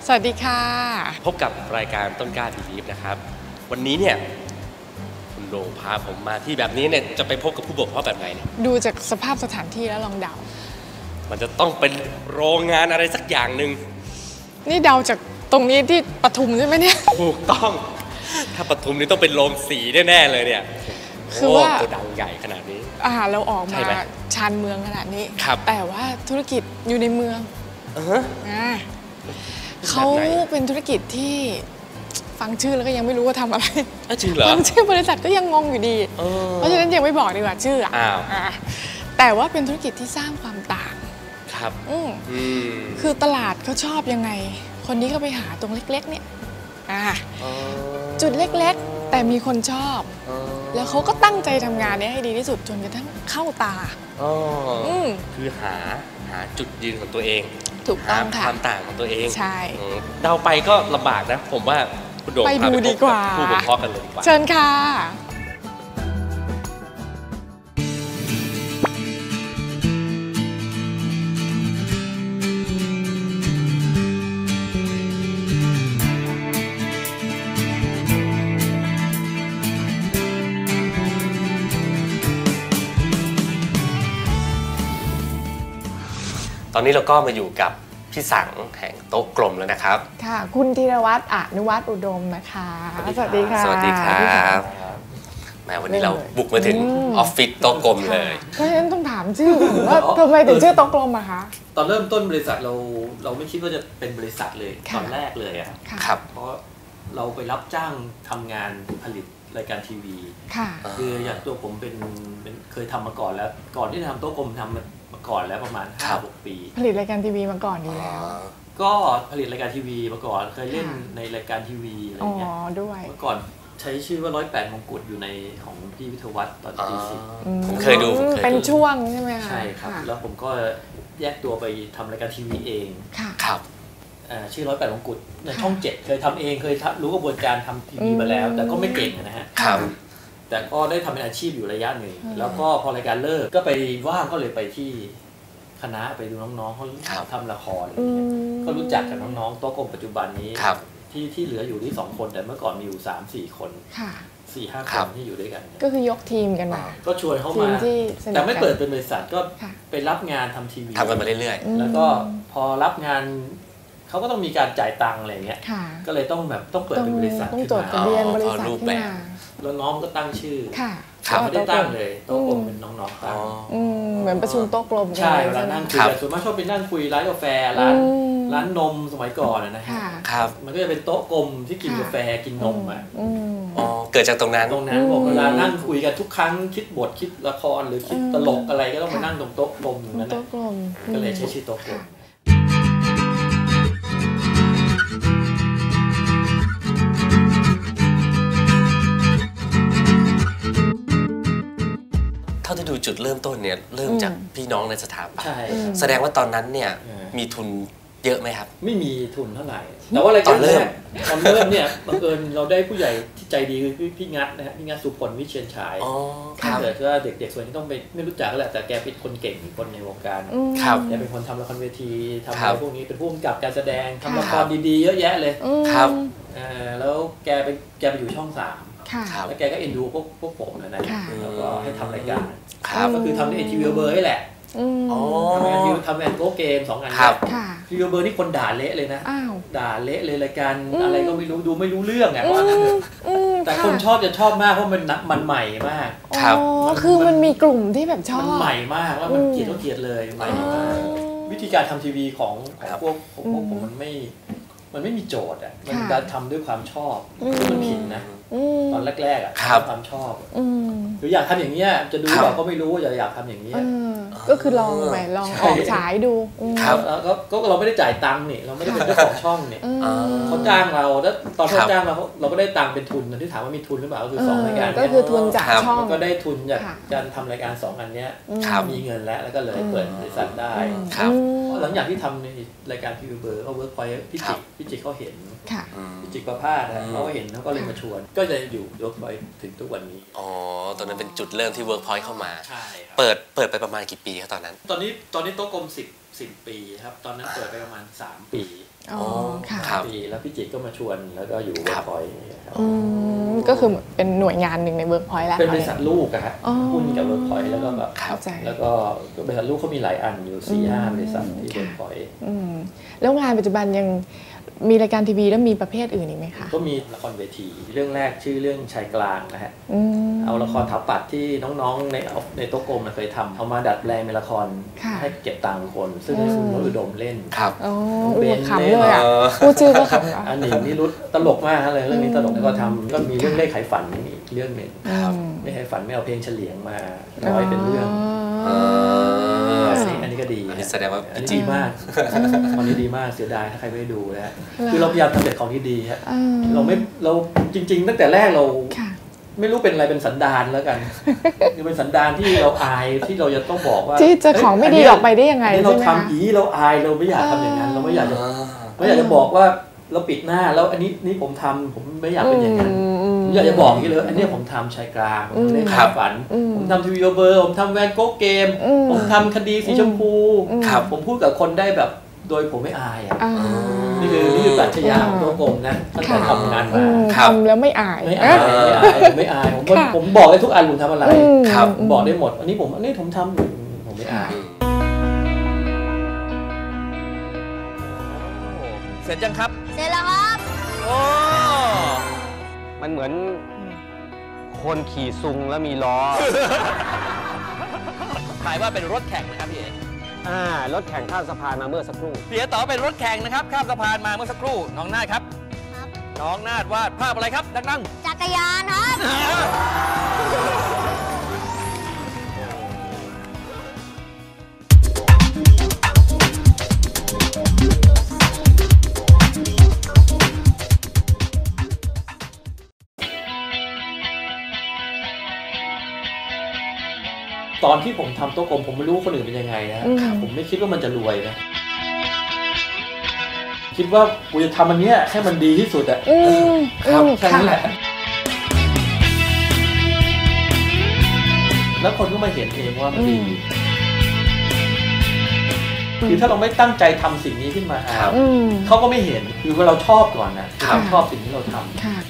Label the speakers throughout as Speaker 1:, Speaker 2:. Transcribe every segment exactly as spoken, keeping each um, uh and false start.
Speaker 1: สวัสดีค่ะ
Speaker 2: พบกับรายการต้นกล้าบีลีฟนะครับวันนี้เนี่ยคุณโดพาผมมาที่แบบนี้เนี่ยจะไปพบกับผู้บกพร่องแบบไหนเนี่ย
Speaker 1: ดูจากสภาพสถานที่แล้วลองเดา
Speaker 2: มันจะต้องเป็นโรงงานอะไรสักอย่างหนึ่ง
Speaker 1: นี่เดาจากตรงนี้ที่ปทุมใช่ไหมเนี่ย
Speaker 2: ถูกต้องถ้าปทุมนี่ต้องเป็นโรงสีแน่ๆเลยเนี่ย
Speaker 1: คือว่า
Speaker 2: โกดังใหญ่ขนาดนี้
Speaker 1: อ่าเราออกมาชานเมืองขนาดนี้แต่ว่าธุรกิจอยู่ในเมือง
Speaker 2: เออ
Speaker 1: อ่าเขาเป็นธุรกิจที่ฟังชื่อแล้วก็ยังไม่รู้ว่าทำอะไร
Speaker 2: จริงเหรอ
Speaker 1: ฟังชื่อบริษัทก็ยังงงอยู่ดีเพราะฉะนั้นยังไม่บอกดีกว่าชื่ออ่ะแต่ว่าเป็นธุรกิจที่สร้างความต่าง
Speaker 2: ครับ
Speaker 1: อืมคือตลาดเขาชอบยังไงคนนี้ก็ไปหาตรงเล็กๆเนี่ยอ่าจุดเล็กๆแต่มีคนชอบแล้วเขาก็ตั้งใจทำงานนี้ให้ดีที่สุดจนกระทั่งเข้าตา
Speaker 2: อืมคือหาหาจุดยืนของตัวเอง
Speaker 1: ถูกต้องค่ะ
Speaker 2: ความต่างของตัวเอง
Speaker 1: ใช่
Speaker 2: เดาไปก็ลำบากนะผมว่าคุณโดม
Speaker 1: ไปดูดีกว่า
Speaker 2: ผู้บกพร่องกันเลยดีกว่า
Speaker 1: เชิญค่ะ
Speaker 2: ตอนนี้เราก็มาอยู่กับพี่สังแห่งโต๊ะกลมแล้วนะครับ
Speaker 1: ค่ะคุณธีรวัฒน์อนุวัฒน์อุดมนะคะสวัสดีค่ะ
Speaker 2: สวัสดีครับแม้วันนี้เราบุกมาถึงออฟฟิศโต๊ะกลมเลย
Speaker 1: เพราะฉะนั้นต้องถามชื่อว่าทำไมถึงชื่อโต๊ะกลมอะคะ
Speaker 3: ตอนเริ่มต้นบริษัทเราเราไม่คิดว่าจะเป็นบริษัทเลยตอนแรกเลยอะ
Speaker 2: ครับ
Speaker 3: เพราะเราไปรับจ้างทำงานผลิตรายการทีวีคืออย่างตัวผมเป็นเคยทำมาก่อนแล้วก่อนที่จะทำโต๊ะกลมทำมาก่อนแล้วประมาณ ห้าหก ปี
Speaker 1: ผลิตรายการทีวีมาก่อนอยู่แล้ว
Speaker 3: ก็ผลิตรายการทีวีมาก่อนเคยเล่นในรายการทีวีอะไรเงี้ย
Speaker 1: ด้วย
Speaker 3: เมื่อก่อนใช้ชื่อว่าร้อยแปดมงกุฎอยู่ในของพี่วิทยวัฒน์ตอนปีสิบ
Speaker 2: ผมเคยดู
Speaker 1: เป็นช่วงใช่ไหมคะ
Speaker 3: ใช่ครับแล้วผมก็แยกตัวไปทำรายการทีวีเอง
Speaker 2: ครับ
Speaker 3: ชื่อร้อยแปดมงกุฎในช่องเจ็ดเคยทำเองเคยรู้กระบวนการทำทีวีมาแล้วแต่ก็ไม่เก่งนะฮะแต่ก็ได้ทำเป็นอาชีพอยู่ระยะหนึ่งแล้วก็พอรายการเลิกก็ไปว่างก็เลยไปที่คณะไปดูน้องๆเขาทำละครก็รู้จักกับน้องๆโต๊ะกลมปัจจุบันนี้ที่ที่เหลืออยู่ที่สองคนแต่เมื่อก่อนมีอยู่สามสี่คนสี่ห้าคนที่อยู่ด้วยกัน
Speaker 1: ก็คือยกทีมกันมา
Speaker 3: ก็ชวนเข้ามาแต่ไม่เปิดเป็นบริษัทก็ไปรับงานทำทีวี
Speaker 2: ทำกันมาเรื่อย
Speaker 3: ๆแล้วก็พอรับงานเขาก็ต้องมีการจ่ายตังค์อะไรเงี้ยก็เลยต้องแบบต้องเปิดเป็นบริษัท
Speaker 1: ต้องจดทะเบียนบริษัทขึ้นมา
Speaker 3: แล้วน้องก็ตั้งชื่อไม่ได้ตั้งเลยโต๊ะกลมเป็นน้องๆตั้ง
Speaker 1: เหมือนประชุมโต๊ะกลม
Speaker 3: ใช่เวลานั่งคุยแต่ส่วนมากชอบไปนั่งคุยร้านกาแฟร้านร้านนมสมัยก่อนนะฮะมันก็จะเป็นโต๊ะกลมที่กินกาแฟกินนมอ่ะ
Speaker 2: อ๋อเกิดจากตรงนั้น
Speaker 3: ตรงนั้นบอกเวลานั่งคุยกันทุกครั้งคิดบทคิดละครหรือคิดตลกอะไรก็ต้องมานั่งตรงโต๊ะกลมอย่างนั้นก็เลยใช้ชื่อโต๊ะกลม
Speaker 2: เท่าที่ดูจุดเริ่มต้นเนี่ยเริ่มจากพี่น้องในสถาบันแสดงว่าตอนนั้นเนี่ยมีทุนเยอะไหมครับ
Speaker 3: ไม่มีทุนเท่าไหร่แต่ว่ารายการเริ่มตอนเริ่มเนี่ยบังเอิญเราได้ผู้ใหญ่ที่ใจดีคือพี่งัดนะฮะพี่งัดสุพลวิเชียรฉายถ้าเกิดว่าเด็กๆส่วนที่ต้องไปไม่รู้จักก็แหละแต่แกเป็นคนเก่งคนในวงการแกเป็นคนทำละครเวทีทำอะไรพวกนี้เป็นผู้กำกับการแสดงทำละครดีๆเยอะแยะเลย
Speaker 2: ครับ
Speaker 3: แล้วแกไปแกไปอยู่ช่องสามแล้วแกก็เอ็นดูพวกพวกผมนะนะแล้วก็ให้ทำรายการก็คือทำในทีวีเบอร์นี่แหละทำงานยูทำงานโก้เกมสองงานทีวีเบอร์นี่คนด่าเละเลยนะด่าเละเลยรายการอะไรก็ไม่รู้ดูไม่รู้เรื่องไงว่าแต่คนชอบจะชอบมากเพราะมันมันใหม่มาก
Speaker 1: ครับคือมันมีกลุ่มที่แบบชอบ
Speaker 3: มันใหม่มากแล้วมันเกลียดก็เกลียดเลยใหม่มากวิธีการทำทีวีของพวกพวกผมมันไม่มันไม่มีโจทย์อ่ะมันการทำด้วยความชอบคือมันผิดนะตอนแรกๆอ่ะความชอบหรืออยากทำอย่างเงี้ยจะดูแบบก็ไม่รู้อย่าอยากทำอย่างเงี้ย
Speaker 1: ก็คือลองไปลองออกฉายดู
Speaker 3: แล้วก็เราไม่ได้จ่ายตังค์นี่เราไม่ได้เป็นเจ้าของช่องนี่เขาจ้างเราแล้วตอนเขาจ้างเราเราก็ได้ตังค์เป็นทุนที่ถามว่ามีทุนหรือเปล่าก็คือสองรายการ
Speaker 1: ก็คือทุนจากช่อง
Speaker 3: ก็ได้ทุนจากการทำรายการสองอันเนี้ยมีเงินแล้วแล้วก็เลยเปิดบริษัทได้หลังจากที่ทำในรายการทีวีเบอร์ก็เวิร์กพอยต์พิจิตรพิจิตรเขาเห็นพิจิตรประภาสเขาเห็นเขาก็เลยมาชวนก็จะอยู่เวิร์กพอยต์ถึงทุกวันนี้
Speaker 2: อ๋อตอนนั้นเป็นจุดเริ่มที่เวิร์กพอยต์เข้ามาใช่เปิดเปิดไปประมาณกี่ปีครับตอนนั้น
Speaker 3: ตอนนี้ตอนนี้โต๊ะกลมสิบสิบปีครับตอนนั้นเปิดไปประมาณสามปี
Speaker 1: อ๋อค่ะ
Speaker 3: ปีแล้วพี่จิตรก็มาชวนแล้วก็อยู่เวิร์กพอยต์
Speaker 1: อืมก็คือเป็นหน่วยงานหนึ่งในเวิร์กพอยต์แล้ว
Speaker 3: เป็นบริษัทลูกอะฮะ
Speaker 1: อ๋อ
Speaker 3: หุ้นกับเวิร์กพอยต์แล้วก็แบบ
Speaker 1: เข้าใจ
Speaker 3: แล้วก็บริษัทลูกเขามีหลายอันอยู่สี่ห้าบริษัทที่
Speaker 1: ค่ะ
Speaker 3: เวิร์กพอยต์
Speaker 1: อืมแล้วงานปัจจุบันยังมีรายการทีวีแล้วมีประเภทอื่นอีกไหมคะ
Speaker 3: ก็มีละครเวทีเรื่องแรกชื่อเรื่องชายกลางนะฮะ
Speaker 1: อืม
Speaker 3: เอาละครถาปัดที่น้องๆในในโต๊ะกลมเคยทำเอามาดัดแปลงเป็นละคร
Speaker 1: ค่ะ
Speaker 3: ให้เก็บตังค์คน ซึ่งให้คุณวรุดมเล่น
Speaker 2: ครับ
Speaker 1: อ๋อ
Speaker 3: เบ
Speaker 1: อุ้
Speaker 3: น
Speaker 1: ขำเลยอ่ะ
Speaker 2: เออ
Speaker 1: พูดชื่อก็ขำอ่ะ
Speaker 3: อันหนึ่งนี่รุดตลกมากเลยเรื่องนี้ตลกแล้วก็ทำก็มีเรื่องเลขไขฝันอีกเรื่องหนึ่ง
Speaker 1: ครับ
Speaker 3: เลขไขฝันไม่เอาเพลงเฉลียงมาร้อยเป็นเรื่อง
Speaker 2: เออ
Speaker 3: อันนี้อันนี้ก็ดี
Speaker 2: อันนี้
Speaker 3: นะ
Speaker 2: แสดงว่า
Speaker 3: อันนี้ดีมากตอนนี้ดีมากเสียดายถ้าใครไม่ได้ดูนะฮะคือเราพยายามทำแต่ของที่ดีฮะ
Speaker 1: อืม
Speaker 3: เราไม่เราจริง ๆ ตั้งแต่แรกเรา
Speaker 1: ค่ะ
Speaker 3: ไม่รู้เป็นอะไรเป็นสันดานแล้วกัน คือเป็นสันดานที่เราอายที่เราจะต้องบอกว่า
Speaker 1: ที่จะของไม่ดีออกไปได้ยังไง
Speaker 3: อันนี้เรา
Speaker 1: ใช่ไหม
Speaker 3: ทำ
Speaker 1: คะ
Speaker 3: อีเราอายเราไม่อยากทำอย่างนั้น เราไม่อยากจะ
Speaker 2: อ่า
Speaker 3: ไม่อยากจะบอกว่าเราปิดหน้าแล้วอันนี้นี่ผมทำผมไม่อยากเป็นอย่างนั้นอยากจะบอกอย่างนี้เลยอันนี้ผมทำชายกลางผมเล่นความฝัน ผมทำทีวีเบอร์ผมทำแวนโก๊กเกม ผมทำคดีสีชมพู
Speaker 2: ครับ
Speaker 3: ผมพูดกับคนได้แบบโดยผมไม่อายอ่ะ
Speaker 1: อ่า
Speaker 3: นี่คือนี่คือปรัชญาของตัวกลมนะตั้งแต่
Speaker 1: ค่ะ
Speaker 3: ทำงาน
Speaker 1: อื
Speaker 3: มา
Speaker 1: ม
Speaker 2: ครับ
Speaker 1: ทำแล้วไม่อาย
Speaker 3: ไม่อายไม่อายผมไม่อายผม
Speaker 1: ค่ะ
Speaker 3: ผมบอกได้ทุกอันผมทำอะไร
Speaker 1: อืม
Speaker 2: ครับ
Speaker 3: ผมบอกได้หมด อันนี้ผมอันนี้ผมทำผมไม่อาย
Speaker 2: เสร็จยังครับ
Speaker 4: เสร็จแล้วครับ
Speaker 2: โอ้
Speaker 5: มันเหมือนคนขี่ซุงแล้วมีล้อ
Speaker 2: หมายว่าเป็นรถแข่งนะครับพี่เอก
Speaker 5: อ่ารถแข่งข้ามสะพานมาเมื่อสักครู่
Speaker 2: เสียต่อเป็นรถแข่งนะครับข้ามสะพานมาเมื่อสักครู่น้องนาดครับ
Speaker 4: ครับ
Speaker 2: น้องนาดวาดภาพอะไรครับดัง
Speaker 4: จักรยานครับ
Speaker 2: ๆ
Speaker 3: ตอนที่ผมทำโต๊ะกลมผมไม่รู้ว่าคนอื่นเป็นยังไงนะ
Speaker 1: อืม
Speaker 3: ผมไม่คิดว่ามันจะรวยนะ คิดว่ากูจะทำอันเนี้ยให้มันดีที่สุดอะ
Speaker 1: อืม
Speaker 3: ครับ
Speaker 1: อืม
Speaker 3: แค่นั้นแหละ แล้วคนก็มาเห็นเองว่ามันดี คือถ้าเราไม่ตั้งใจทำสิ่งนี้ขึ้นมา
Speaker 2: ครับ
Speaker 1: อืม
Speaker 3: เขาก็ไม่เห็น คือว่าเราชอบก่อนนะครับ เราชอบสิ่งที่เราทำ
Speaker 1: ค่ะ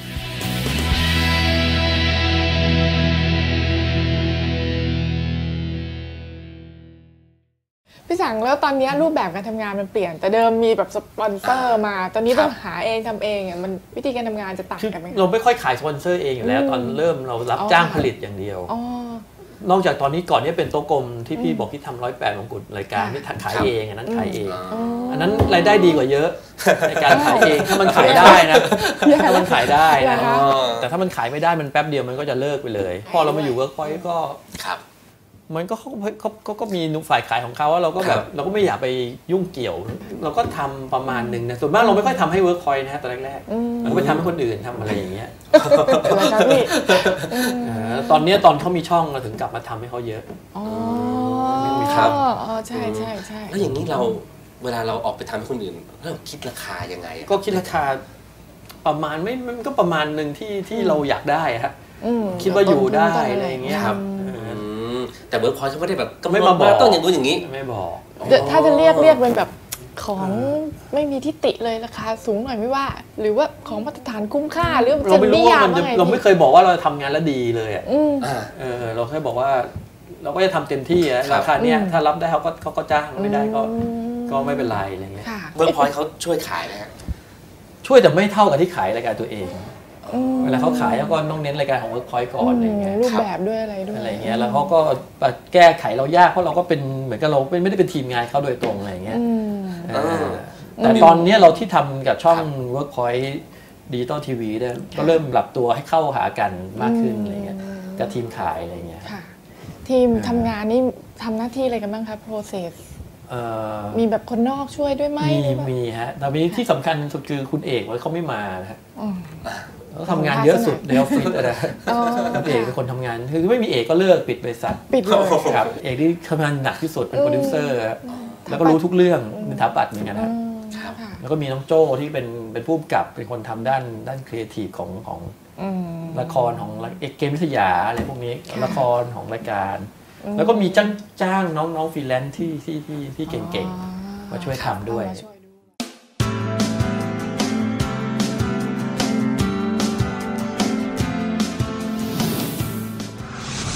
Speaker 1: พี่สังแล้วตอนนี้รูปแบบการทำงานมันเปลี่ยน แต่เดิมมีแบบสปอนเซอร์มา ตอนนี้ต้องหาเองทำเองอ่ะมันวิธีการทำงานจะต่าง
Speaker 3: คือ
Speaker 1: กันไหม
Speaker 3: เราไม่ค่อยขายสปอนเซอร์เองอยู่แล้ว
Speaker 1: อืม
Speaker 3: ตอนเริ่มเรารับ
Speaker 1: อ๋อ
Speaker 3: จ้างผลิตอย่างเดียว
Speaker 1: อ๋อ
Speaker 3: นอกจากตอนนี้ก่อนเนี้เป็นโต๊ะกลมที่พี่
Speaker 1: อืม
Speaker 3: บอกที่ทำร้อยแปดมงกุฎรายการ
Speaker 1: ค่ะ
Speaker 3: ที่ขาย
Speaker 2: ครับ
Speaker 3: เองอันนั้นขายเอง
Speaker 1: อ๋อ
Speaker 3: อันนั้นรายได้ดีกว่าเยอะ ในการขายเองถ้ามันขายได้นะถ้ามันขายได้
Speaker 1: เหร
Speaker 3: นะ
Speaker 1: อคะ
Speaker 3: แต่ถ้ามันขายไม่ได้มันแป๊บเดียวมันก็จะเลิกไปเลย พอเรามาอยู่เวิร์กพอยต์ก็
Speaker 2: ครับ
Speaker 3: มันก็เขาเขาเขาก็มีนุฝ่ายขายของเขาว่าเราก็แบ
Speaker 2: ครับ บ
Speaker 3: เราก็ไม่อยากไปยุ่งเกี่ยว เราก็ทำประมาณหนึ่งนะส่วนมากเราไม่ค่อยทำให้เวิร์กพอยต์นะฮะตอนแรก
Speaker 1: อืม
Speaker 3: ๆเราก็ไปทำให้คนอื่นทำอะไรอย่างเงี้ย
Speaker 1: เหรอคะพี่อืม
Speaker 3: เออตอนเนี้ยตอนเขามีช่องเราถึงกลับมาทำให้เขาเยอะ
Speaker 1: อ๋อ
Speaker 2: ครับ
Speaker 1: อ๋อใช่ใช่ใช่
Speaker 2: แล้วอย่างนี้เราเวลาเราออกไปทำให้คนอื่นเราคิดราคายังไงอะ
Speaker 3: ก็คิดราคาประมาณไม่มันก็ประมาณหนึ่งที่ที่เราอยากได้อะฮะ
Speaker 1: อืม
Speaker 3: คิดว่าอยู่ได้
Speaker 1: ต้นทุน
Speaker 3: อะไรอย่างเงี้ย
Speaker 1: ครับ
Speaker 3: เออ
Speaker 2: อืมแต่เวิร์กพอยต์เขาไม่ได้แบบกำหนด
Speaker 3: ไม่มาบอก
Speaker 2: ต้องอย่างนู้นอย่างนี้
Speaker 3: ไม่บอก
Speaker 1: เดี๋ยวถ้าจะเรียกเรียกเป็นแบบของไม่มีทิฏฐิเลยราคาสูงหน่อยไม่ว่า หรือว่าของมาตรฐานคุ้มค่าหรือ
Speaker 3: เราไม่รู้ว่ามันจะ
Speaker 1: ไง
Speaker 3: เราไม่เคยบอกว่าเราทำงานแล้วดีเลยอะ
Speaker 1: อืม
Speaker 2: อ่า
Speaker 3: เออเราแค่บอกว่า เราก็จะทำเต็มที่อะ
Speaker 2: ครับ
Speaker 3: ราคาเนี้ย
Speaker 1: อืม
Speaker 3: ถ้ารับได้เขาก็เขาก็จ้างไม่ได้ก็
Speaker 1: อืม
Speaker 3: ก็ไม่เป็นไรอะไรเงี้ย
Speaker 1: ค่ะ
Speaker 2: เวิร์กพอยต์เขาช่วยขายนะฮะ
Speaker 3: ช่วยแต่ไม่เท่ากับที่ขายรายการตัวเอง
Speaker 1: อืม
Speaker 3: เวลาเขาขายเขาก็ต้องเน้นรายการของ Workpoint ก่อนอะไรเงี้ย
Speaker 1: รูปแบบด้วยอะไรด้วย
Speaker 3: อะไรเงี้ยแล้วเขาก็แก้ไขเรายากเพราะเราก็เป็นเหมือนกับเราไม่ได้เป็นทีมงานเขาโดยตรงอะไรเงี้ย
Speaker 1: อืม
Speaker 3: เออแต่ตอนเนี้ยเราที่ทำกับช่อง Workpoint Digital ที วีเนี่ยก็เริ่มปรับตัวให้เข้าหากันมากขึ้นอะไรเงี้ยกับทีมขายอะไรเงี้ย
Speaker 1: ค่ะ ทีมทำงานนี่ทำหน้าที่อะไรกันบ้างคะ process
Speaker 3: เอ่อ
Speaker 1: มีแบบคนนอกช่วยด้วยไหม
Speaker 3: มี
Speaker 1: หรือว่า
Speaker 3: มีฮะแต่วันนี้ที่สำคัญสุดคือคุณเอกว่าเขาไม่มานะฮะ
Speaker 1: อืม
Speaker 3: เขาทำงานเยอะสุดในออฟฟิศอะนะ
Speaker 1: อ๋อ
Speaker 3: คุณเอกเป็นคนทำงานคือไม่มีเอกก็เลิกปิดบริษัท
Speaker 1: ปิดเลย
Speaker 3: ครับเอกที่ทำงานหนักที่สุดเป็นโปรดิวเซอร์ครับแล้วก็รู้ทุกเรื่องเป็นถาปัดเหมือนกัน
Speaker 1: อื
Speaker 3: ครับ
Speaker 1: มค่ะ
Speaker 3: แล้วก็มีน้องโจ้ที่เป็นเป็นผู้กำกับเป็นคนทำด้านด้านครีเอทีฟของของ
Speaker 1: อืม
Speaker 3: ละครของเอกเกมวิทยาอะไรพวกนี้
Speaker 1: ค่ะ
Speaker 3: ละครของรายการ
Speaker 1: อืม
Speaker 3: แล้วก็มีจ้างจ้างน้องน้องฟรีแลนซ์ที่ที่ที่ที่เก่ง
Speaker 1: อ๋อ
Speaker 3: ๆ มาช่วยทำด้วย
Speaker 1: เอามาช่วยด้วย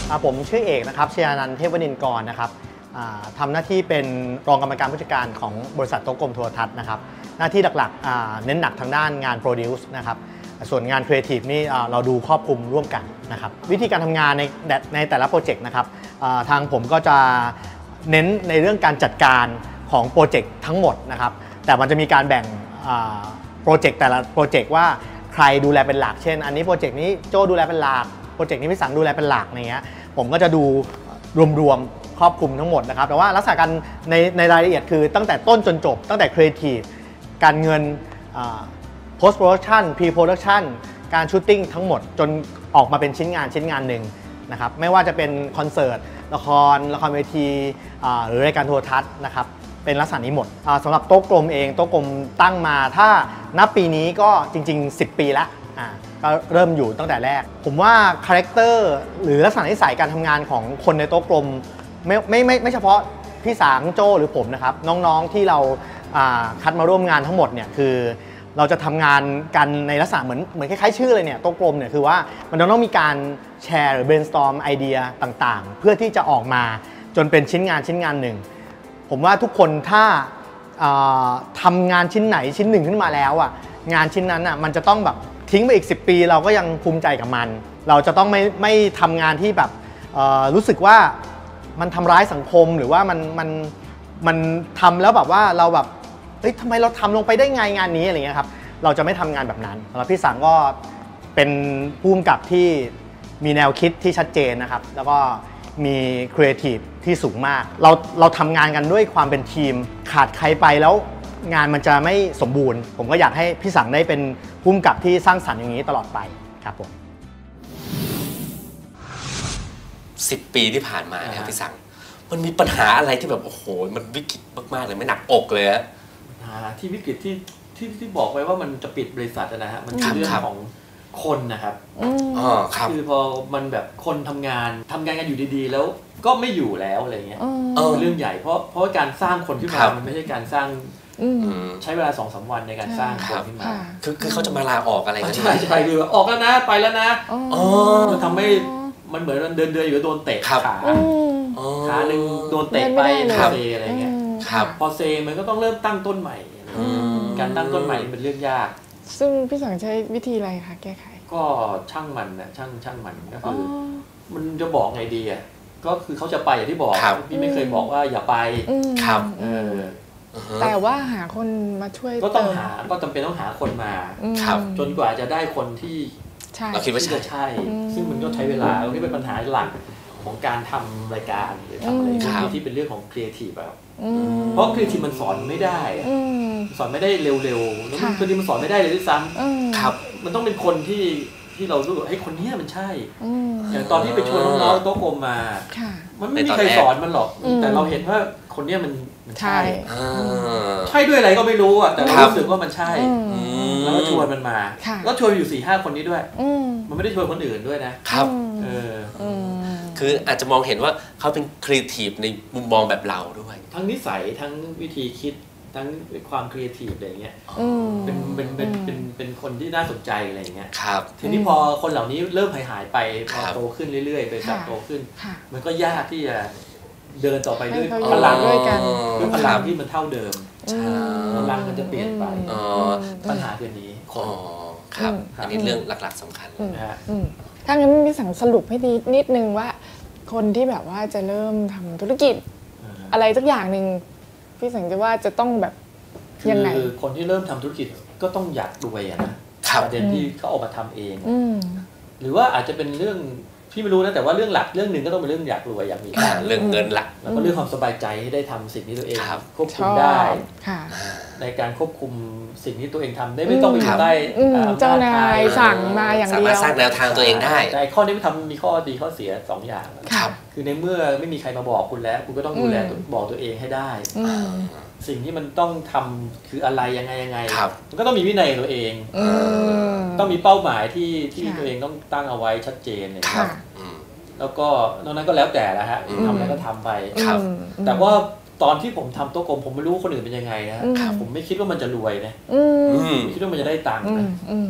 Speaker 6: ผมชื่อเอกนะครับชยานันท์เทพวณินทร์กรนะครับทำหน้าที่เป็นรองกรรมการผู้จัดการของบริษัทโต๊ะกลมโทรทัศน์นะครับหน้าที่หลักๆเน้นหนักทางด้านงาน Produce นะครับส่วนงาน Creative นี่เราดูครอบคลุมร่วมกันนะครับวิธีการทำงานในในแต่ละโปรเจกต์นะครับทางผมก็จะเน้นในเรื่องการจัดการของโปรเจกต์ทั้งหมดนะครับแต่มันจะมีการแบ่งโปรเจกต์แต่ละโปรเจกต์ว่าใครดูแลเป็นหลักเช่นอันนี้โปรเจกต์นี้โจ้ดูแลเป็นหลักโปรเจกต์นี้พี่สังดูแลเป็นหลักอย่างเงี้ยผมก็จะดูรวมๆครอบคลุมทั้งหมดนะครับแต่ว่าลักษณะการในในรายละเอียดคือตั้งแต่ต้นจนจบตั้งแต่ครีเอทีฟการเงิน post production pre production การชูตติ้งทั้งหมดจนออกมาเป็นชิ้นงานชิ้นงานหนึ่งนะครับไม่ว่าจะเป็นคอนเสิร์ตละครละครเวทีหรือรายการโทรทัศน์นะครับเป็นลักษณะนี้หมดสำหรับโต๊ะกลมเองโต๊ะกลมตั้งมาถ้านับปีนี้ก็จริงๆสิบปีแล้วก็เริ่มอยู่ตั้งแต่แรกผมว่าคาแรคเตอร์หรือลักษณะนิสัยการทำงานของคนในโต๊ะกลมไม่ไม่ไม่ไม่เฉพาะพี่สางโจ้หรือผมนะครับน้องๆที่เราคัดมาร่วมงานทั้งหมดเนี่ยคือเราจะทำงานกันในลักษณะเหมือนเหมือนคล้ายๆชื่อเลยเนี่ยโต๊ะกลมเนี่ยคือว่ามันต้องมีการแชร์หรือ brainstorm ไอเดียต่างๆเพื่อที่จะออกมาจนเป็นชิ้นงานชิ้นงานหนึ่งผมว่าทุกคนถ้าทำงานชิ้นไหนชิ้นหนึ่งขึ้นมาแล้วอ่ะงานชิ้นนั้นอ่ะมันจะต้องแบบทิ้งไปอีกสิบปีเราก็ยังภูมิใจกับมันเราจะต้องไม่ไม่ทำงานที่แบบรู้สึกว่ามันทำร้ายสังคมหรือว่ามันมันมันทำแล้วแบบว่าเราแบบเฮ้ยทำไมเราทำลงไปได้ไงงานนี้อะไรเงี้ยครับเราจะไม่ทำงานแบบนั้นแล้วพี่สังก็เป็นผู้กำกับที่มีแนวคิดที่ชัดเจนนะครับแล้วก็มีครีเอทีฟที่สูงมากเราเราทำงานกันด้วยความเป็นทีมขาดใครไปแล้วงานมันจะไม่สมบูรณ์ผมก็อยากให้พี่สังได้เป็นผู้กำกับที่สร้างสรรค์อย่างนี้ตลอดไปครับผม
Speaker 2: สิบปีที่ผ่านมาเนี่ยพี่สังมันมีปัญหาอะไรที่แบบโอ้โหมันวิกฤตมากๆเลยไม่หนักอกเลยอะ
Speaker 3: ปัญหาที่วิกฤตที่ที่ที่บอกไว้ว่ามันจะปิดบริษัทนะฮะมันคือเรื่องของคนนะครับ
Speaker 2: อ๋อครับ
Speaker 3: คือพอมันแบบคนทำงานทำงานกันอยู่ดีๆแล้วก็ไม่อยู่แล้วอะไรเงี้ยเออเรื่องใหญ่เพราะเพราะการสร้างคนขึ้นมามันไม่ใช่การสร้างใช้เวลาสองสามวันในการสร้างคนขึ้นมา
Speaker 2: คือคือเขาจะมาลาออกอะไรกัน
Speaker 3: ใช่ใช่คือออกแล้วนะไปแล้วนะมันทำให้มันเหมือนเดินเดินอยู่โดนเตะขาขาหนึ่งโดนเตะไปเซอะไรเงี้ยพอเซมันก็ต้องเริ่มตั้งต้นใหม่การตั้งต้นใหม่เป็นเรื่องยาก
Speaker 1: ซึ่งพี่สังใช้วิธีอะไรคะแก้ไข
Speaker 3: ก็ช่างมันนะช่างช่างมันก็คือมันจะบอกไงดีอ่ะก็คือเขาจะไปอย่างที่บอกพี่ไม่เคยบอกว่าอย่าไป
Speaker 2: ครับ
Speaker 3: เออ
Speaker 1: แต่ว่าหาคนมาช่วย
Speaker 3: ก็ต้องหาก็จำเป็นต้องหาคนมาจนกว่าจะได้คนที่
Speaker 2: เราคิดว่า
Speaker 3: จะใช่ซึ่งมันก็ใช้เวลาที่เป็นปัญหาหลักของการทำรายการหรือทำอะไรที่เป็นเรื่องของครีเอทีฟแบบเพราะครีเอทีฟมันสอนไม่ได้สอนไม่ได้เร็วๆแล้วบางทีมันสอนไม่ได้เลยด้วยซ้ำ
Speaker 2: ครับ
Speaker 3: มันต้องเป็นคนที่ที่เรารู้ว่าให้คนนี้มันใช่อย่างตอนที่ไปชวนน้องๆโต๊ะกลมมามันไม่มีใครสอนมันหรอกแต่เราเห็นว่าคนนี้มันมันใช่ใช่ด้วยอะไรก็ไม่รู้อ่ะแต่เรารู้สึกว่ามันใช่แล้วก็ชวนมันมาแล้วชวนอยู่สี่ห้าคนนี้ด้วยมันไม่ได้ชวนคนอื่นด้วยนะครับเออ
Speaker 2: คืออาจจะมองเห็นว่าเขาเป็นครีเอทีฟในมุมมองแบบเราด้วย
Speaker 3: ทั้งนิสัยทั้งวิธีคิดทั้งความครีเอทีฟอะไรเงี้ยเป็นเป็นเป็นเป็นเป็นคนที่น่าสนใจอะไรเงี้ย
Speaker 2: ครับ
Speaker 3: ทีนี้พอคนเหล่านี้เริ่มหายหายไปพอโตขึ้นเรื่อยๆไปโตขึ้นมันก็ยากที่จะเดินต่อไปด้วยพลังด้วยกันด้วยพลังที่มันเท่าเดิมพลังมันจะเปลี่ยนไปปัญหาเรื่องนี้
Speaker 2: อ๋อครับอันนี้เรื่องหลักๆสำคัญ
Speaker 3: นะฮะ
Speaker 1: ถ้างั้นพี่สังสรุปให้นิดนึงว่าคนที่แบบว่าจะเริ่มทำธุรกิจอะไรสักอย่างหนึ่งพี่สังจะว่าจะต้องแบบยังไง
Speaker 3: คือคนที่เริ่มทำธุรกิจก็ต้องอยากรวยนะประเด็นที่เขาออกมาทำเองหรือว่าอาจจะเป็นเรื่องพี่ไม่รู้นะแต่ว่าเรื่องหลักเรื่องหนึ่งก็ต้องเป็นเรื่องอยากรวยอยากมี
Speaker 2: เรื่องเงินหลัก
Speaker 3: แล้วก็เรื่องความสบายใจให้ได้ทำสิ่งที่ตัวเองควบคุมได้ในการควบคุมสิ่งที่ตัวเองทำได้ไม่ต้องไปอยู่ใต้
Speaker 1: เจ้านายสั่งมาอย่างเดียว
Speaker 2: สามารถสร้างแนวทางตัวเองได้
Speaker 3: แต่ข้อนี้มันทำมีข้อดีข้อเสียสองอย่างคือในเมื่อไม่มีใครมาบอกคุณแล้วคุณก็ต้องดูแลบอกตัวเองให้ได้สิ่งที่มันต้องทำคืออะไรยังไงยังไงมันก็ต้องมีวินัยตัวเองต้องมีเป้าหมายที่ที่ตัวเองต้องตั้งเอาไว้ชัดเจนเลยครับแล้วก็นอกนั้นก็แล้วแต่ละฮะทำอะไรก็ทำไปแต่ว่าตอนที่ผมทำโต๊ะกลมผมไม่รู้ว่าคนอื่นเป็นยังไงนะผมไม่คิดว่ามันจะรวยนะผมคิดว่ามันจะได้ตังค์นะ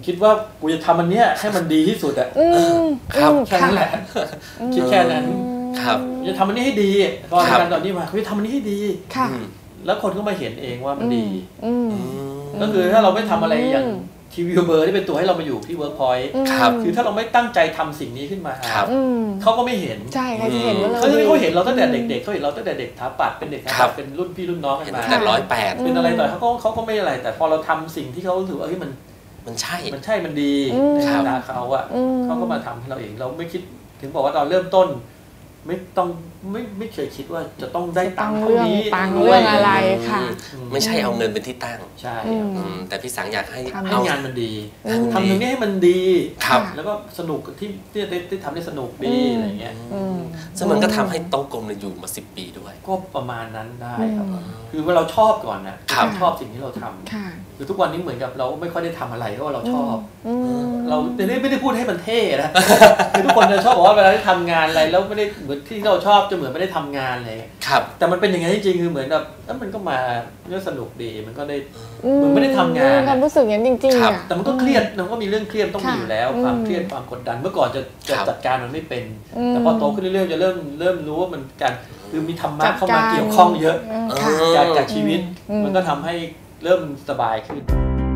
Speaker 3: คิดว่ากูจะทำอันเนี้ยให้มันดีที่สุดอะ
Speaker 1: อืม
Speaker 2: ครับ
Speaker 1: อืม
Speaker 3: แค่นั้นแหละคิดแค่นั้น
Speaker 2: ครับ
Speaker 3: จะทำอันนี้ให้ดีตอนการตอนนี้มาเขาจะทำอันนี้ให้ดี
Speaker 1: ค่ะ
Speaker 2: อืม
Speaker 3: แล้วคนก็มาเห็นเองว่ามันดี
Speaker 1: อืม
Speaker 3: ก็คือถ้าเราไม่ทำอะไรอย่างทีวีเบอร์ที่เป็นตัวให้เรามาอยู่ที่เวิร์กพอยต์
Speaker 2: ครับ
Speaker 3: คือถ้าเราไม่ตั้งใจทำสิ่งนี้ขึ้นมา
Speaker 2: ครับ
Speaker 1: อืม
Speaker 3: เขาก็ไม่เห็น
Speaker 1: ใช่ใครจะเห็นว่าเรา
Speaker 3: เขา
Speaker 1: ดี
Speaker 3: เขาเห็นเราตั้งแต่เด็กๆเขาเห็นเราตั้งแต่เด็กถาปัดเป็นเด็กถา
Speaker 2: ครั
Speaker 3: ปั
Speaker 2: บ
Speaker 3: ดเป็นรุ่นพี่รุ่นน้องกัน
Speaker 2: เห็น
Speaker 3: มา
Speaker 2: แต่ร้อยแปด
Speaker 3: เป็นอะไรต่อเขาก็เขาก็ไม่อะไร แต่พอเราทำสิ่งที่เขาถือว่าเฮ้ยมัน
Speaker 2: มันใช่
Speaker 3: มันใช่มันดี
Speaker 1: อืม
Speaker 3: ในสายตาเขาอะ
Speaker 1: อืม
Speaker 3: เขาก็มาทำให้เราเองเราไม่คิดถึงบอกว่าตอนเริ่มต้น ไม่ต้องไม่ไม่เคยคิดว่าจะต้องได้ตังค์เท่านี้
Speaker 1: ตังค์เรื่องอะไร ค่ะ
Speaker 2: ไม่ใช่เอาเงินเป็นที่ตั้ง
Speaker 3: ใช่
Speaker 1: อืม
Speaker 2: อืมแต่พี่สังอยากให้
Speaker 1: ทำ
Speaker 3: ให้
Speaker 2: เอา
Speaker 3: งานมันดี
Speaker 1: อืม
Speaker 3: ทำตรงนี้ให้มันดี
Speaker 2: ครับ
Speaker 3: แล้วก็สนุกที่ที่ได้ได้ทำได้สนุกดีอะไรเงี้ย
Speaker 1: อืม
Speaker 2: ซึ่งมันก็ทำให้โต๊ะกลมเนี่ยอยู่มาสิบปีด้วย
Speaker 3: ก็ประมาณนั้นได้ครับ
Speaker 1: อืม
Speaker 3: คือว่าเราชอบก่อนนะครับ ชอบสิ่งที่เราทำ
Speaker 1: ค่ะ
Speaker 3: คือทุกวันนี้เหมือนกับเราไม่ค่อยได้ทำอะไรเพราะว่าเราชอบ
Speaker 1: อืม
Speaker 3: เราไม่ได้ไม่ได้พูดให้มันเท่นะ คือทุกคนจะชอบบอกว่าเวลาที่ทำงานอะไรแล้วไม่ได้เหมือนที่เราชอบจะเหมือนไม่ได้ทำงานอะไร
Speaker 2: ครับ
Speaker 3: แต่มันเป็นอย่างนั้นจริงๆคือเหมือนแบบแล้วมันก็มาเรื่องสนุกดีมันก็ได้
Speaker 1: อื
Speaker 3: เหมือนไม่ได้ทำงาน
Speaker 1: ความรู้สึกอย่างนั้นจริงๆ
Speaker 2: ครับ
Speaker 1: อ่ะ
Speaker 3: แต่มันก็เครียดมันก็มีเรื่องเครียดต้องมีอยู่แล้ว
Speaker 1: ค่ะ
Speaker 3: ความ
Speaker 1: อืม
Speaker 3: เครียดความกดดันเมื่อก่อนจะจะ
Speaker 2: ครับ
Speaker 3: จัดการมันไม่เป็น
Speaker 1: อืม
Speaker 3: แต่พอโตขึ้นเรื่อยๆจะเริ่มเริ่มรู้ว่ามันการคือมีธรรมะ
Speaker 1: จัด
Speaker 3: เข้า
Speaker 1: การ
Speaker 3: มาเกี่ยวข้องเยอะ
Speaker 1: อืมค่ะ
Speaker 3: จากจากชีวิต
Speaker 1: อืม
Speaker 3: มันก็ทำให้เริ่มสบายขึ้น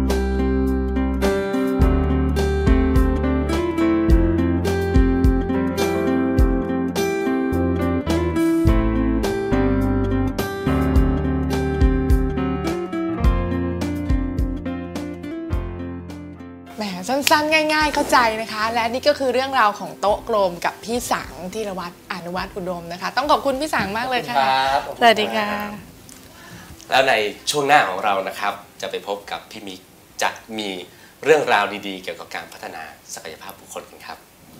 Speaker 1: แหมสั้นๆ ง่ายๆ เข้าใจนะคะ และนี่ก็คือเรื่องราวของโต๊ะกลมกับพี่สังธีรวัตรอนุวัฒน์อุดมนะคะ ต้องขอบคุณพี่สังมากเลยค่ะ
Speaker 3: ครับ
Speaker 1: สวัสดีค่ะ
Speaker 2: แล้วในช่วงหน้าของเรานะครับ จะไปพบกับพี่มิกจะมีเรื่องราวดีๆ เกี่ยวกับการพัฒนาศักยภาพบุคคลกันครับ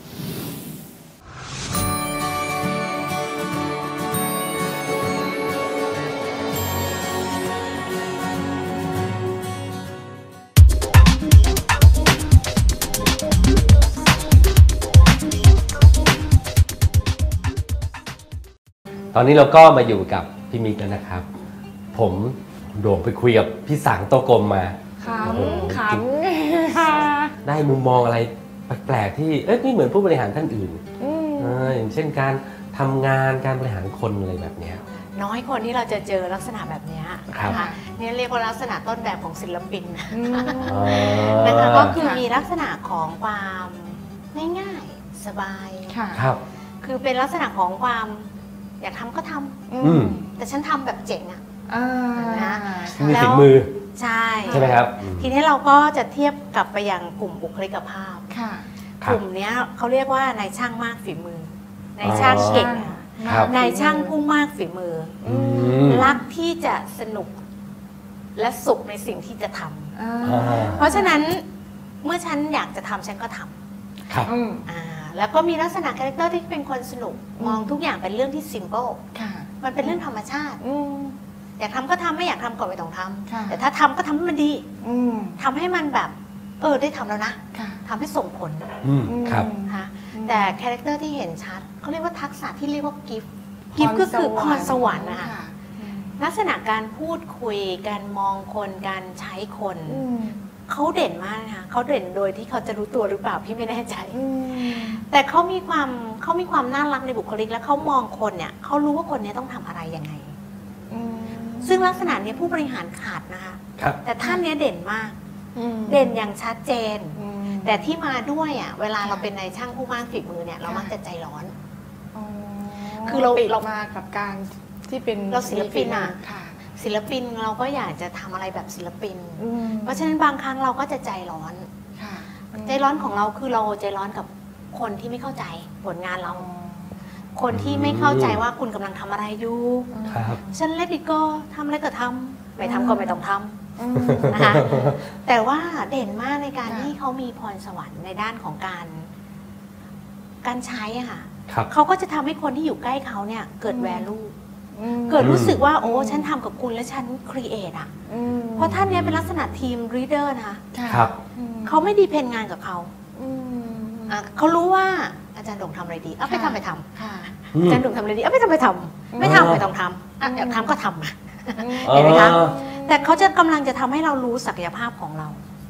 Speaker 2: ตอนนี้เราก็มาอยู่กับพี่มิกแล้วนะครับ ผมโด่งไปคุยกับพี่สังโตกลมมา
Speaker 1: ข
Speaker 2: โอ้โห
Speaker 1: ำขำค่ะ
Speaker 2: ได้มุมมองอะไรแปลกๆที่เอ้ยไม่เหมือนผู้บริหารท่านอื่น
Speaker 1: อืม
Speaker 2: เอออย่างเช่นการทำงานการบริหารคนอะไรแบบเนี้ย
Speaker 7: น้อยคนที่เราจะเจอลักษณะแบบเนี้ย
Speaker 2: ครับ
Speaker 7: นะคะเนี่ยเรียกว่าลักษณะต้นแบบของศิลปิน
Speaker 1: อืม
Speaker 2: อ๋อ
Speaker 7: นะคะก็คือ
Speaker 1: ค่ะ
Speaker 7: มีลักษณะของความง่ายๆสบาย
Speaker 1: ค่ะ
Speaker 2: ครับ
Speaker 7: คือเป็นลักษณะของความอยากทำก็ทำ
Speaker 2: อืม
Speaker 7: แต่ฉันทำแบบเจ๋งอะ
Speaker 1: อ่า
Speaker 7: นะ
Speaker 2: มี
Speaker 7: แล้ว
Speaker 2: ฝีมือ
Speaker 7: ใช่
Speaker 2: ใช่ไหมครับอืม
Speaker 7: ทีนี้เราก็จะเทียบกลับไปยังกลุ่มบุคลิกภาพ
Speaker 1: ค่ะ
Speaker 2: ครั
Speaker 7: ก
Speaker 2: บ
Speaker 7: ลุ่มเนี้ยเขาเรียกว่านายช่างมากฝีมือนายช่างเก่งอะ
Speaker 2: ครับ
Speaker 7: นายช่างผู้มากฝีมือ
Speaker 2: อืม
Speaker 7: รักที่จะสนุกและสุขในสิ่งที่จะทำ
Speaker 1: อ่า
Speaker 2: อ่า
Speaker 7: เพราะฉะนั้นเมื่อฉันอยากจะทำฉันก็ทำ
Speaker 2: ครับ
Speaker 1: อืม
Speaker 7: อ่าแล้วก็มีลักษณะคาแรคเตอร์ที่เป็นคนสนุก
Speaker 1: อืม
Speaker 7: มองทุกอย่างเป็นเรื่องที่ simple
Speaker 1: ค่ะ
Speaker 7: มันเป็นเรื่องธรรมชาติ
Speaker 1: อืม
Speaker 7: อยากทำก็ทำไม่อยากทำก็ไม่ต้องท
Speaker 1: ค่ะ
Speaker 7: ำแต่ถ้าทำก็ทำให้มันดี
Speaker 1: อืม
Speaker 7: ทำให้มันแบบเออได้ทำแล้วนะ
Speaker 1: ค่ะ
Speaker 7: ทำให้ส่งผล
Speaker 2: อืมครับ
Speaker 7: นะคะ
Speaker 1: อืม
Speaker 7: แต่คาแรคเตอร์ที่เห็นชัดเขาเรียกว่าทักษะที่เรียกว่ากิฟต์กิฟต์ก็คือพรสวรรค์นะคะ
Speaker 1: อืม
Speaker 7: ลักษณะการพูดคุยการมองคนการใช้คน
Speaker 1: อืม
Speaker 7: เขาเด่นมากนะคะเขาเด่นโดยที่เขาจะรู้ตัวหรือเปล่าพี่ไม่แน่ใจ
Speaker 1: อืม
Speaker 7: แต่เขามีความเขามีความน่ารักในบุคลิกและเขามองคนเนี่ยเขารู้ว่าคนเนี้ต้องทำอะไรยังไง
Speaker 1: อืม
Speaker 7: ซึ่งลักษณะเนี้ยผู้บริหารขาดนะคะ
Speaker 2: ครับ
Speaker 7: แต่ท่านเนี้ยเด่นมาก
Speaker 1: อืม
Speaker 7: เด่นอย่างชัดเจน
Speaker 1: อืม
Speaker 7: แต่ที่มาด้วยอ่ะเวลา
Speaker 1: ค่ะ
Speaker 7: เราเป็นนายช่างผู้มากฝีมือเนี่ยเรา
Speaker 1: ค่ะ
Speaker 7: มักจะใจร้อน
Speaker 1: อ๋อ
Speaker 7: คือเรา
Speaker 1: ติด
Speaker 7: เรา
Speaker 1: มากับการที่เป็น
Speaker 7: เราศิลปินอะ
Speaker 1: ค่ะ
Speaker 7: ศิลปินเราก็อยากจะทำอะไรแบบศิลปิน
Speaker 1: อืม
Speaker 7: เพราะฉะนั้นบางครั้งเราก็จะใจร้อน
Speaker 1: ค่ะ
Speaker 7: ใจร้อนของเราคือเราใจร้อนกับคนที่ไม่เข้าใจผลงานเรา
Speaker 1: อ๋อ
Speaker 7: คนที่ไม่เข้าใจว่าคุณกำลังทำอะไรอยู่
Speaker 2: ครับ
Speaker 7: ฉันเลดิโก้ทำอะไรก็ทำไม่ทำก็ไม่ต้องทำ
Speaker 1: อืม
Speaker 7: นะคะแต่ว่าเด่นมากในการ
Speaker 1: ค่ะ
Speaker 7: ที่เขามีพรสวรรค์ในด้านของการ การใช้อะค่ะ
Speaker 2: ครับ
Speaker 7: เขาก็จะทำให้คนที่อยู่ใกล้เขาเนี่ยเกิด value
Speaker 1: อืม
Speaker 7: เกิดรู้สึกว่า
Speaker 1: อืม
Speaker 7: โอ้ฉันทำกับคุณและฉัน create อะ
Speaker 1: อืม
Speaker 7: เพราะท่านเนี้ยเป็นลักษณะทีม leader นะคะ
Speaker 1: ะ
Speaker 2: ครับ
Speaker 1: อืม
Speaker 7: เขาไม่ดีเพนงานกับเขา
Speaker 1: อืม
Speaker 7: อ่ะเขารู้ว่าอาจารย์ดงทำอะไรดีเอาไป
Speaker 1: ค่ะ
Speaker 7: ทำไปท
Speaker 1: ค่ะ
Speaker 7: ำอาจารย์ดงทำอะไรดีเอาไปทำไปทำไม่ทำไม่ต้องทำอ่ะอยากทำก็ทำมา เห็นไหมคะ แต่เขาจะกำลังจะทำให้เรารู้ศักยภาพของเรา
Speaker 1: อ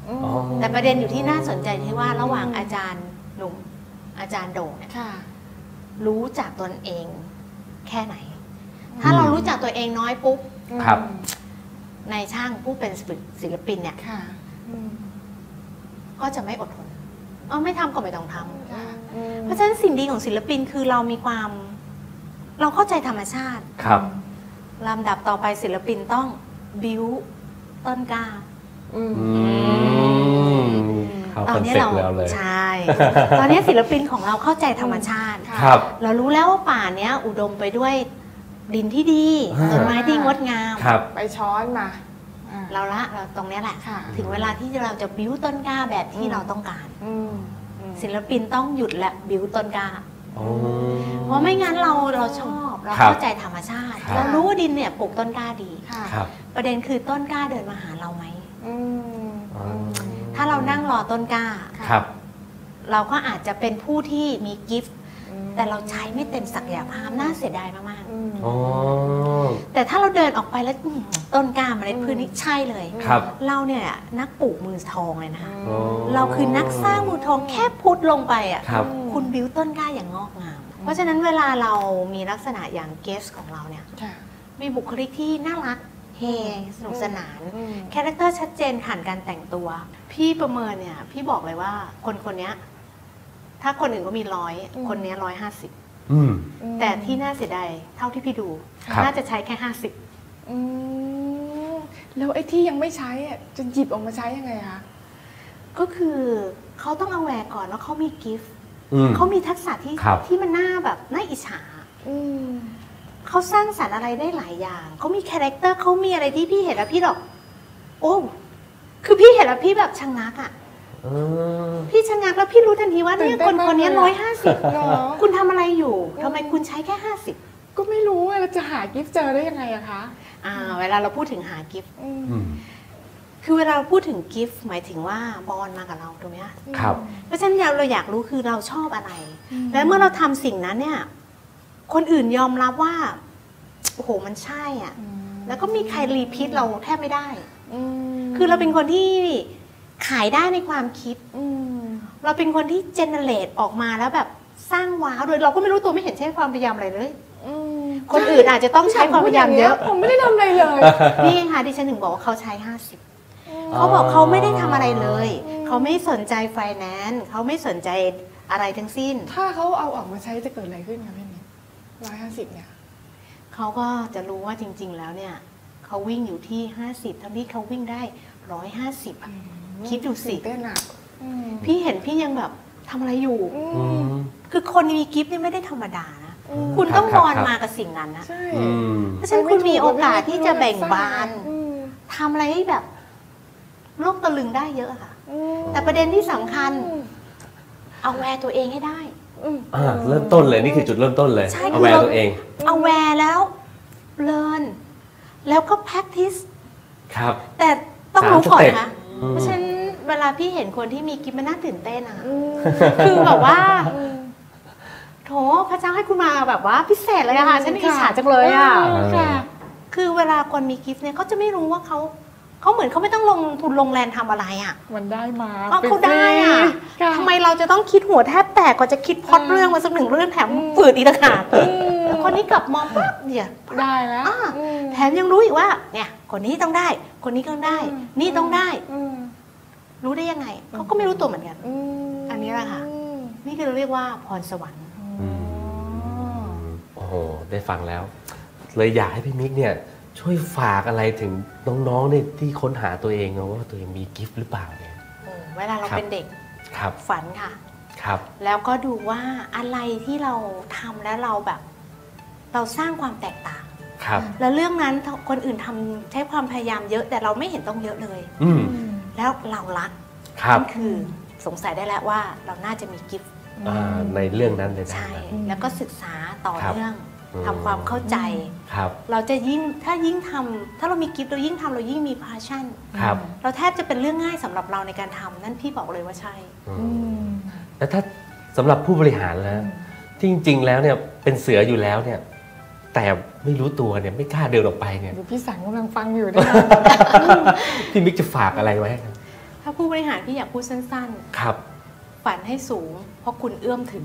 Speaker 3: อ๋อ
Speaker 7: แต่ประเด็นอยู่ที่น่าสนใจที่ว่าระหว่างอาจารย์หนุ่มอาจารย์โด่งเนี่ย
Speaker 1: ค่ะ
Speaker 7: รู้จักตนเองแค่ไหน ถ้าเรารู้จักตัวเองน้อยปุ๊บ
Speaker 3: ครับ
Speaker 7: ในช่างผู้เป็นศิลปินเนี่ย
Speaker 1: ค่ะอืม
Speaker 7: ก็จะไม่อดทนเออไม่ทำก็ไม่ต้องทำ
Speaker 1: ค่ะอืม
Speaker 7: เพราะฉะนั้นสิ่งดีของศิลปินคือเรามีความ เราเข้าใจธรรมชาติ
Speaker 3: ครับ
Speaker 7: ลำดับต่อไปศิลปินต้องบิวต้นกล้า
Speaker 1: อืม
Speaker 3: อืมเข้า
Speaker 7: ต
Speaker 3: ค
Speaker 7: อ
Speaker 3: อน น
Speaker 7: นี้
Speaker 3: เซ็ป
Speaker 7: เรา
Speaker 3: ต์แล้วเลย
Speaker 7: ใช่ ตอนนี้ศิลปินของเราเข้าใจธรรมชาติ
Speaker 3: ครับ
Speaker 7: เรารู้แล้วว่าป่าเนี้ยอุดมไปด้วยดินที่ดี
Speaker 3: อ่า
Speaker 7: ต้นไม้ที่งดงาม
Speaker 3: ครับ
Speaker 1: ไปช้อนมาอ่า
Speaker 7: เราละเราตรงเนี้ยแหละ
Speaker 1: ค่ะ
Speaker 7: ถึงเวลาที่เราจะบิ้วต้นกล้าแบบที่
Speaker 1: อืม
Speaker 7: เราต้องการ
Speaker 1: อืมอืม
Speaker 7: ศิลปินต้องหยุดและบิ้วต้นกล้า
Speaker 3: อ๋อ
Speaker 7: เพราะไม่งั้นเราเราชอบเรา
Speaker 3: ครับ
Speaker 7: เข้าใจธรรมชาติ
Speaker 3: ครับ
Speaker 7: เรารู้ว่าดินเนี่ยปลูกต้นกล้าดี
Speaker 1: ค่ะ
Speaker 3: ครับ
Speaker 7: ประเด็นคือต้นกล้าเดินมาหาเราไหม
Speaker 1: อืม
Speaker 3: อ๋อ
Speaker 7: ถ้าเรานั่งรอต้นกล้า
Speaker 3: ครับ
Speaker 7: เราก็อาจจะเป็นผู้ที่มีกิฟต์
Speaker 1: อืม
Speaker 7: แต่เราใช้ไม่เต็มศักยภาพน่าเสียดายมาก
Speaker 1: อืม
Speaker 3: อ๋อ
Speaker 7: ๆแต่ถ้าเราเดินออกไปแล้วอื้อหือต้นกล้าเมาเล็ดพืชนี่ใช่เลย
Speaker 3: ครับ
Speaker 7: เราเนี่ยนักปลูกมือทองเลยนะคะ
Speaker 3: อ๋อ
Speaker 7: เราคือนักสร้างมือทองแค่พุทลงไปอ่ะ
Speaker 3: ครับ
Speaker 7: คุณบิวต้นกล้าอย่างงอกงาม เพราะฉะนั้นเวลาเรามีลักษณะอย่างเกสของเราเนี่ย
Speaker 1: ค่ะ
Speaker 7: มีบุคลิกที่น่ารักเฮสนุกสนาน
Speaker 1: อืม
Speaker 7: คาแรคเตอร์ชัดเจนผ่านการแต่งตัว พี่ประเมินเนี่ย พี่บอกเลยว่าคนคนเนี้ยถ้าคนอื่นก็มีร้อยคนเนี้ร้อยห้าสิบ
Speaker 3: อืม
Speaker 7: แต่ที่น่าเสียดายเท่าที่พี่ดู
Speaker 3: ครับ
Speaker 7: น่าจะใช้แค่ห้าสิบ
Speaker 1: อืมแล้วไอ้ที่ยังไม่ใช้อ่ะจะหยิบออกมาใช้ยังไงคะ
Speaker 7: ก็คือเขาต้องเอาแวร์ก่อนว่าเขามีกิฟต์
Speaker 3: อืม
Speaker 7: เขามีทักษะที่
Speaker 3: ครับ
Speaker 7: ที่มันน่าแบบน่าอิจฉา
Speaker 1: อืม
Speaker 7: เขาสร้างสรรค์อะไรได้หลายอย่าง เขามีคาแรคเตอร์เขามีอะไรที่พี่เห็นแล้วพี่แบบโอ้ คือพี่เห็นแล้วพี่แบบชะงักอ่ะ
Speaker 3: เออ
Speaker 7: พี่ชะงักแล้วพี่รู้ทันทีว่า
Speaker 1: ตื่
Speaker 7: เนี่ย
Speaker 1: นเต้
Speaker 7: คน น
Speaker 1: มาก
Speaker 7: คนนี้
Speaker 1: เลยอะ
Speaker 7: ร้อยห้าสิบ
Speaker 1: เหรอ
Speaker 7: คุณทำอะไรอยู่ทำไมคุณใช้แค่ห้าสิบ
Speaker 1: ก็ไม่รู้ว่าเราจะหากิฟต์เจอได้ยังไงอะคะ
Speaker 7: อ่า เวลาเราพูดถึงหากิฟต์
Speaker 1: อืม
Speaker 3: อืม
Speaker 7: คือเวลาเราพูดถึงกิฟต์หมายถึงว่าบอลมากับเราถูกไหมคะ
Speaker 3: ครับ
Speaker 7: เพราะฉะนั้นเราอยากรู้คือเราชอบอะไร แล้วเมื่อเราทำสิ่งนั้นเนี่ย คนอื่นยอมรับว่าโอ้โหมันใช่อ่ะ แล้วก็มีใครรีพีทเราแทบไม่ได้
Speaker 1: อืม
Speaker 7: คือเราเป็นคนที่ขายได้ในความคิด
Speaker 1: อืม
Speaker 7: เราเป็นคนที่เจเนเรตออกมาแล้วแบบสร้างว้าวโดยเราก็ไม่รู้ตัวไม่เห็นใช้ความพยายามอะไรเลย
Speaker 1: อืม
Speaker 7: คนอื่นอาจจะต้องใช้ความพยายามเยอะ
Speaker 1: ผมไม่ได้ทำอะไรเลย
Speaker 7: นี่ค่ะดิฉันถึงบอกว่าเขาใช้ห้าสิบเขาบอกเขาไม่ได้ทำอะไรเลย เขาไม่สนใจไฟแนนซ์เขาไม่สนใจอะไรทั้งสิ้น
Speaker 1: ถ้าเขาเอาออกมาใช้จะเกิดอะไรขึ้นคะพี่มิ้นร้อยห้าสิบเนี่ย
Speaker 7: เขาก็จะรู้ว่าจริง ๆ แล้วเนี่ยเขาวิ่งอยู่ที่ห้าสิบทั้งที่เขาวิ่งได้ร้อยห้าสิบคิดดูสิ
Speaker 1: ตื่นเต้นอะอืม
Speaker 7: พี่เห็นพี่ยังแบบทำอะไรอยู่
Speaker 1: อื
Speaker 3: อื
Speaker 1: ม
Speaker 3: ม
Speaker 7: คือคนมีกิฟต์นี่ไม่ได้ธรรมดานะ
Speaker 1: อืม
Speaker 7: คุณต้อง
Speaker 3: ครับ
Speaker 7: บอล
Speaker 3: ครับ
Speaker 7: มากับสิ่งนั้นนะ
Speaker 1: ใช่
Speaker 3: อืม
Speaker 7: เพราะฉะนั้นคุณมีโอกาสที่จะแบ่งบาน
Speaker 1: อืม
Speaker 7: ทำอะไรให้แบบโลกตะลึงได้เยอะค่ะ
Speaker 1: อืม
Speaker 7: แต่ประเด็นที่สำคัญ เอาแวร์ตัวเองให้ได้
Speaker 1: อืม
Speaker 3: อ่าเริ่มต้นเลยนี่คือจุดเริ่มต้นเลย
Speaker 7: ใช่
Speaker 3: เอาแวร์ตัวเอง
Speaker 7: เอาแวร์แล้วเรียนแล้วก็ practice
Speaker 3: ครับ
Speaker 7: แต่ต้องรู้ก่อน
Speaker 3: สามสเต็ป
Speaker 7: นะ
Speaker 3: อืม
Speaker 7: เพราะฉะนั้นเวลาพี่เห็นคนที่มีกิฟต์มันน่าตื่นเต้นอะ
Speaker 1: อืม
Speaker 7: คือแบบว่าโถพระเจ้าให้คุณมาแบบว่าพิเศษเลยอะค่ะฉันอิจฉาจังเลยอะ
Speaker 1: เออค่ะ
Speaker 7: คือเวลาคนมีกิฟต์เนี่ยเขาจะไม่รู้ว่าเขาเขาเหมือนเขาไม่ต้องลงทุนลงแรงทำอะไรอะ
Speaker 1: มันได้มา
Speaker 7: ก็เขาได้อะ
Speaker 1: ค่ะ
Speaker 7: ทำไมเราจะต้องคิดหัวแทบแตกกว่าจะคิดพล็อตเรื่องมาสักหนึ่งเรื่องแถมฝืดอีกต่างหากแล้วคนนี้กลับมองปั๊บเนี่ย
Speaker 1: ได้แล้ว
Speaker 7: อ่า
Speaker 1: อืม
Speaker 7: แถมยังรู้อีกว่าเนี่ยคนนี้ต้องได้ คนนี้ก็ต้องได้ นี่ต้องได้
Speaker 1: อืม
Speaker 7: รู้ได้ยังไงเขาก็ไม่รู้ตัวเหมือนกัน
Speaker 1: อืม
Speaker 7: อันนี้แหละค่ะ นี่คือเราเรียกว่าพรสวรรค์
Speaker 3: อืม โอ้โห ได้ฟังแล้ว เลยอยากให้พี่มิกเนี่ย ช่วยฝากอะไรถึงน้องๆเนี่ยที่ค้นหาตัวเองนะว่าตัวเองมีกิฟต์หรือเปล่าเนี่ย
Speaker 7: โอ้เวลาเรา
Speaker 3: ครับ
Speaker 7: เป็นเด็ก
Speaker 3: ครับ
Speaker 7: ฝันค่ะ
Speaker 3: ครับ
Speaker 7: แล้วก็ดูว่าอะไรที่เราทำแล้วเราแบบ เราสร้างความแตกต่าง
Speaker 3: ครับ
Speaker 7: แล้วเรื่องนั้นคนอื่นทำใช้ความพยายามเยอะ แต่เราไม่เห็นต้องเยอะเลย
Speaker 3: อืม
Speaker 7: แล้วเรารัก
Speaker 3: ครับ
Speaker 7: นั่นคือสงสัยได้แล้วว่าเราน่าจะมีกิฟต์
Speaker 3: อ่าในเรื่องนั้นเลยนะ
Speaker 7: ใช่ แล้วก็ศึกษาต่อ
Speaker 3: ครับ
Speaker 7: เนื่อง
Speaker 3: อืม
Speaker 7: ทำความเข้าใจ
Speaker 3: ครับ
Speaker 7: เราจะยิ่งถ้ายิ่งทำถ้าเรามีกิฟต์เรายิ่งทำเรายิ่งมี passion
Speaker 3: ครับ
Speaker 7: เราแทบจะเป็นเรื่องง่ายสำหรับเราในการทำนั่นพี่บอกเลยว่าใช่
Speaker 3: อื
Speaker 1: อื
Speaker 3: ม
Speaker 1: ม
Speaker 3: แล้วถ้าสำหรับผู้บริหารแล้วที่จริง ๆ แล้วเนี่ยเป็นเสืออยู่แล้วเนี่ย แต่ไม่รู้ตัวเนี่ยไม่กล้าเดินออกไปเนี่ย
Speaker 1: เดี๋ยวพี่สังกำลังฟังอยู่ด้วยนะ
Speaker 3: พี่มิกจะฝากอะไรไว้ครับ
Speaker 7: ถ้าผู้บริหารพี่อยากพูดสั้น
Speaker 2: ครับ
Speaker 7: ๆ ฝันให้สูง เพราะคุณเอื้อมถึง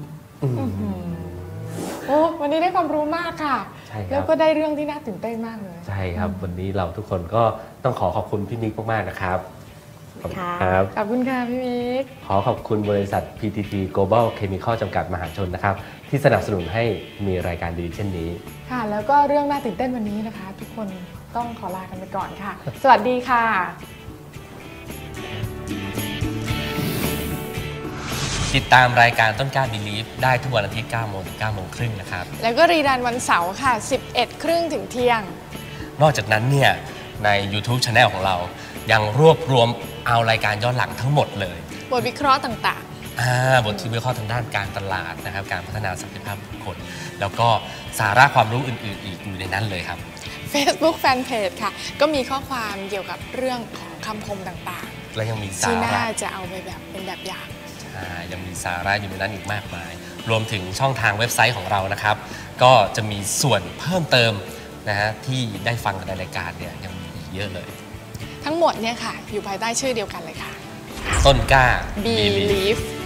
Speaker 1: โอ้วันนี้ได้ความรู้มากค่ะ
Speaker 8: ใช่ครับ
Speaker 1: แล้วก็ได้เรื่องที่น่าตื่นเต้นมากเลย
Speaker 8: ใช่ครับ วันนี้เราทุกคนก็ต้องขอขอบคุณพี่มิกมากๆนะครับขอบคุณครับ
Speaker 1: ขอบคุณค่ะพี่มิก
Speaker 8: ขอขอบคุณบริษัท พี ที ที Global Chemical จำกัดมหาชนนะครับที่สนับสนุนให้มีรายการดีเช่นนี้
Speaker 1: ค่ะ แล้วก็เรื่องน่าตื่นเต้นวันนี้นะคะ ทุกคนต้องขอลากันไปก่อนค่ะ สวัสดีค่ะ
Speaker 2: ติดตามรายการต้นกล้า Believe ได้ทุกวันอาทิตย์เก้าโมงถึงเก้าโมงครึ่งนะครับ
Speaker 1: แล้วก็รีรันวันเสาร์ค่ะ สิบเอ็ดครึ่งถึงเที่ยง
Speaker 2: นอกจากนั้นเนี่ยใน YouTube Channel ของเรายังรวบรวมเอารายการย้อนหลังทั้งหมดเลย
Speaker 1: บทวิเคราะห์ต่าง
Speaker 2: อ่าบทที่วิเคราะห์ทางด้านการตลาดนะครับการพัฒนาศักยภาพบุคคล แล้วก็สาระความรู้อื่นๆ อีกอยู่ในนั้นเลยครับ
Speaker 1: ๆ Facebook Fanpage ค่ะ ก็มีข้อความเกี่ยวกับเรื่องของคำคมต่าง
Speaker 2: และยังมี
Speaker 1: ๆ
Speaker 2: สา
Speaker 1: ที่
Speaker 2: ระ
Speaker 1: น่าจะเอาไปแบบเป็นแบบอย่าง
Speaker 2: อ่ายังมีสาระอยู่ในนั้นอีกมากมาย รวมถึงช่องทางเว็บไซต์ของเรานะครับ ก็จะมีส่วนเพิ่มเติมนะฮะที่ได้ฟังกันในรายการเนี่ยยังมีอีกเยอะเลย
Speaker 1: ทั้งหมดเนี่ยค่ะ อยู่ภายใต้ชื่อเดียวกันเลยค่ะ
Speaker 2: ต้นกล้า
Speaker 1: Believe